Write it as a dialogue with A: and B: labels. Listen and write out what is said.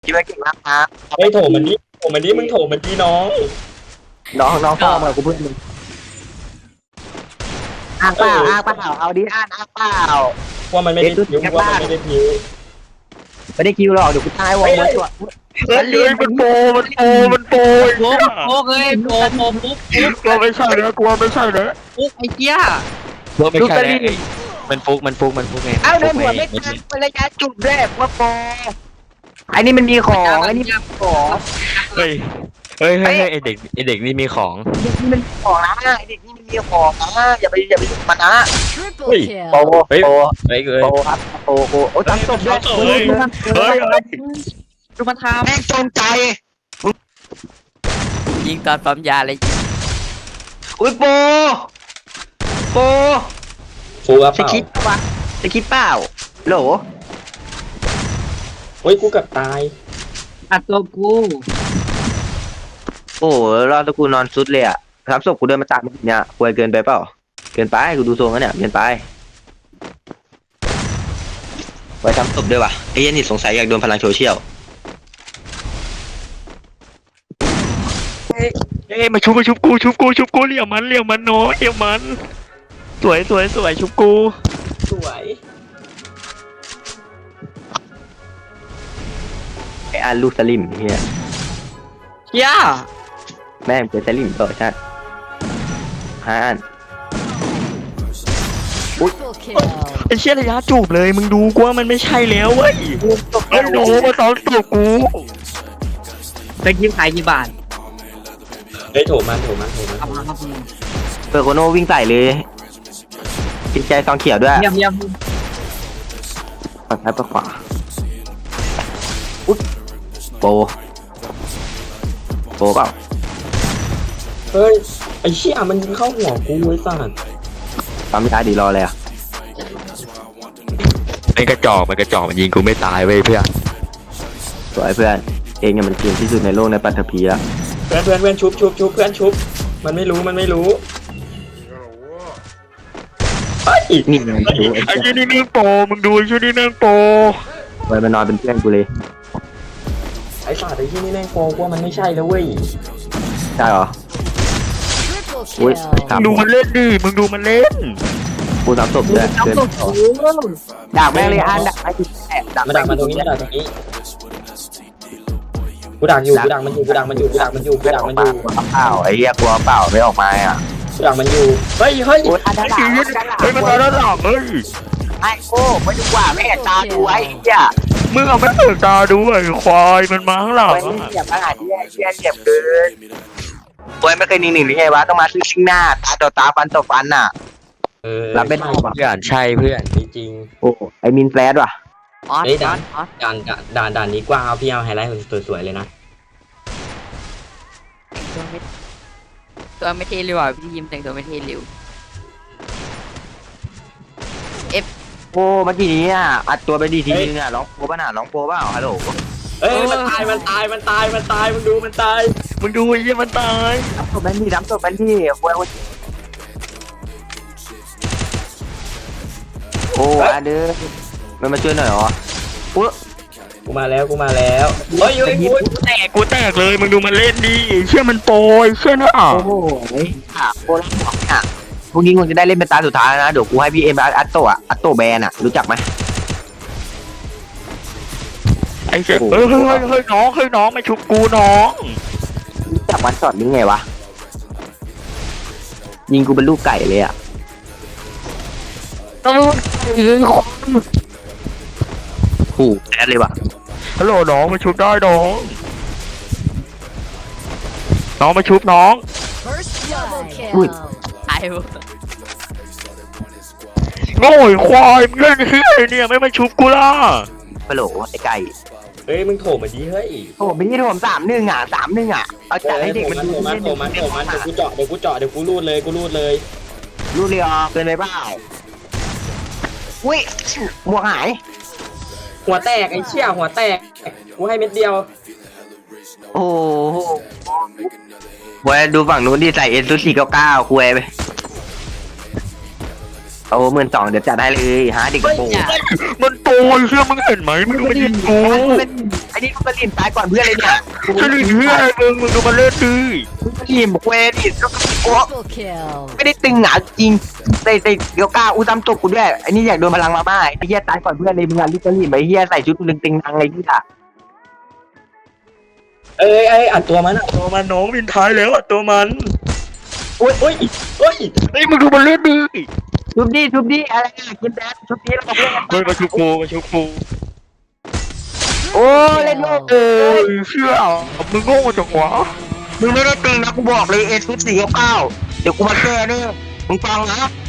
A: คิดว่าเก่งมากครับ
B: เฮ้ยโถมันดิโถมันดิมึงโถมันดิน้อง
A: น้องพ่อมากูเพื่อนมึงอ้างเปล่าเอาดิอ้างเปล่า
B: ว่ามันไม่ได้พิ้วว่ามันไม่ได้พิ้ว
A: ไม่ได้คิวหรอกเดี๋ยวกูตายวงมาตัว
C: มันโปมันโป
D: โป๊กเลยโป๊กปุ๊บ
C: กลัวไม่ใช่นะกลัวไม่ใช่นะ
D: ปุ๊บไอ้เจี๊ย
C: กลัวไม่ใช่มันฟุกไง
A: เอ้าเดินหัวไม่ทันเป็นระยะจุดแรกว่าโปไอ้นี่มันมีของไอ้นี่มันของ
C: เฮ้ยไอเด็กนี่มีของ
A: เด็กนี่มันมีของนะไอ้เด็กนี่มันมีของนะอย่าไปยุ่งมันนะ
E: Triple
A: โป
E: kill.
C: เฮ้ย
A: โป
C: เฮ้ย
A: โปครับโปโอ้ตั้งศพด้วย
C: เฮ้ย
D: ดูมันท
A: แม่งจงใจ
D: ยิงตอนปั๊มยาเลย
A: อุ้ยโป
B: ฟูอ่ะ
A: ส
B: เปล่า
A: คิดปะสคิดเปล่าโหล
B: เฮ้ยกูเกับตาย
D: อัดตัวกู
A: โอ้รอดตะกูนอนซุดเลยอ่ะทำศพกูเดินมาตามเนี่ยป่วยเกินไปเปล่าเกินไปกูดูทรงแล้วเนี่ยเกินไปไว้ทำศพด้วยวะไอ้ยันนี่สงสัยอยากโดนพลังโซเชียล
C: เอ้ยมาชุบกูเลี้ยวมันน้อยเลี้ยวมันสวยชุบกู
B: สวย
A: ไอ้อันลูกสลิมเฮีย
D: เจี๊ย
A: แม่งเป็นสลิมต่อใช่ห้าอัน
E: Triple kill.
C: ไอเชี่ยระยะจูบเลยมึงดูกูว่ามันไม่ใช่แล้วเว้ยไอ้โหมาตอนจูบกู
D: ไปกินขายกี่บาท
B: เฮ้ยโถมัน
D: เอามาครับ
A: เปิดโคโน่วิ่งใส่เลยจิตใจซองเขียวด้วย
D: เยี่ยม
A: ฝั่งซ้ายฝั่งขวาอุ๊ยโปเปล่า
B: เฮ้ยไอ้เชี่ยมันยิงเข้าหัวกูไอ้สัส
A: ปั๊มยาดีรอเลยอ่ะ
C: มันกระจอกมันยิงกูไม่ตายเว้ยเพื่อน
A: สวยเพื่อนเองเนี่ยมันเก่งที่สุดในโลกในปัตตภีแล้ว
B: เพื่อนชุบเพื่อนชุบมันไม่รู้เฮ้ย
A: นี่ไงดู
C: ไอ้ยี่นี่นั่งโปมึงดูไอ้ยี่นี่นั่งโป
A: ไว้มานอนเป็นเพื่อนกูเลย
B: ไอ้สัสไอ้ที่นี่แม่งโกงว่ามันไม่ใช่แล้วเว้ย
A: ใช่เหรอ
E: Triple
A: อุ้ย
E: kill.
A: สาม
C: ดูมันเล่นดิมึงดูมันเล่น
A: กูสามศพด้วยเกินดักแม่งเลยอันดักไอ้ที่ดัก
B: มาดักมาตรงนี้กูดักอยู่มันอยู่
A: อ้าวไอ้เหี้ยกลัวเปล่าไม่ออกมาอ่ะ
B: กูดักมันอยู่เฮ้ย
A: โอ้ยอันดั
C: ไอ้
A: ก
C: ยี่เฮ้ยมันตายแล้วหรอเฮ้ย
A: ไอ้โก้ไม่ดีกว่าไม่เห็นตาดูไอ้เหี้ย
C: มึงเอาไม่ตื่นตาดูไอ้ควายมันมาข้างหลัง
A: ไอ้เหี้ยอาหารที่เหี้ยเจ็บเกินโอ้ยไม่เคยนิ่งๆหรือไงวะต้องมาซึ่งหน้าตาต่อตาฟันต่อฟันน่ะ รับไม่ได้ว่ะ
C: เพื่อนใช่เพื่อน
B: จริง
A: โอ้ไอ้มินแฟลชว่ะ
D: ออส
B: เฮ้ย
D: อ
B: ด่า
D: อน ส
B: ด่านนี้กว้างเอาพี่เอาไฮไลท์สวยๆเลยนะ
D: ตัวไม่เทเลยว่ะพี่ยิมแต่งตัวไม่เทเร็ว
A: โอ้เมื่อกี้นี้อ่ะอัดตัวไปดีทีนึงอ่ะร้องโปป่ะน่ะร้องโปป่ะฮัลโหล
B: เอ้ยมันตายมึงดูมันตาย
C: มึงดูไอ้ยี่มันตาย
A: ทำศพแบนที่โว้ยโอ้อันเด้อมันมาช่วยหน่อยเหรออุ๊ย
B: กูมาแล้วเฮ้ย
C: กูแตกเลยมึงดูมันเล่นดิเชื่อมันโปรยเชื่อนะ
A: โอ้โหค่ะโคตรหอกอ่ะพรุ่งนี้มึงจะได้เล่นเป็นตาสุดท้ายนะเดี๋ยวกูให้พี่เอ็มอัตโตะอัตโตแบนอ่ะรู้จักไหม
C: ไอ้เจ๊เฮ้ยน้องมาชุบกูน้อง
A: รู้จักวันช็อตนี้ไงวะยิงกูเป็นลูกไก่เลยอ่ะขู่แอดเลยว่ะ
C: ฮัลโหลน้องมาชุบได้น้องมาชุบน้อง
E: First double
A: Ui.
E: kill.
D: ตายหมด
C: โง่ไอ้ควายมึงเล่นเฮียเนี่ยไม่มาชุบกูล่ะ
A: ปะโหลไอ้ไก่
B: เฮ้ยมึงโถมมาดิเฮ้ย
A: โอ้ไม่ใช่ผม3-1อ่ะ3-1อ่ะเอาจัดให้เด็กมันดู
B: มันเดี๋ยวกูเจาะเดี๋ยวกูรูดเลย
A: รู้เลยอ่ะเกินไปเปล่าอุ้ยหมวกหาย
B: หัวแตกไอ้เชี่ยหัวแตกกูให้เม็ดเดียว
A: โอ้โหบอยดูฝั่งนู้นที่ใส่เอซู499คุยไปโอ้12,000เดี๋ยวจัดให้เลยหาเด็กโป
C: มันโปรยเชื่อมึงเห็นไหมมึงไม่ยิงกู
A: ไอ้นี่ลูกกระดิ่งตายก่อนเพื่อนเลยเนี่ย
C: จะหลีเพื่อนมึงดูมันเล่นดิ
A: ลูกกระดิ่งบอกเวดิลูกกระดิ่งโอ้
E: Triple kill.
A: ไม่ได้ตึงหนาจริงแต่เดี๋ยวกล้าอู้ตำตกกูด้วยไอ้นี่อยากโดนพลังมาบ้าไอ้เหี้ยตายก่อนเพื่อนเลยมึงอ่ะลูกกระดิ่งไอ้เหี้ยใส่ชุดตึงๆนังไอ้ที่อ่ะ
B: อัดตัวมันอ่ะ
C: ตัวมันน้องวินท้ายแล้วอะตัวมัน
B: โอ้ย
C: เฮ้ยมึงดูมันเล่นดิ
A: ชุบดิอะไรอ่ะกินแดดชุบดิแล้วบอกเพื่อนกัน
C: เฮ้ยมาชุบกูมาชุบกู
A: โอ้เล่นโลก
C: เชื่อมึงโง่จังวะ
A: มึงไม่ได้ตึงนะกูบอกเลยเอซุด499เดี๋ยวกูมาแก้เนี่ยมึงฟังนะ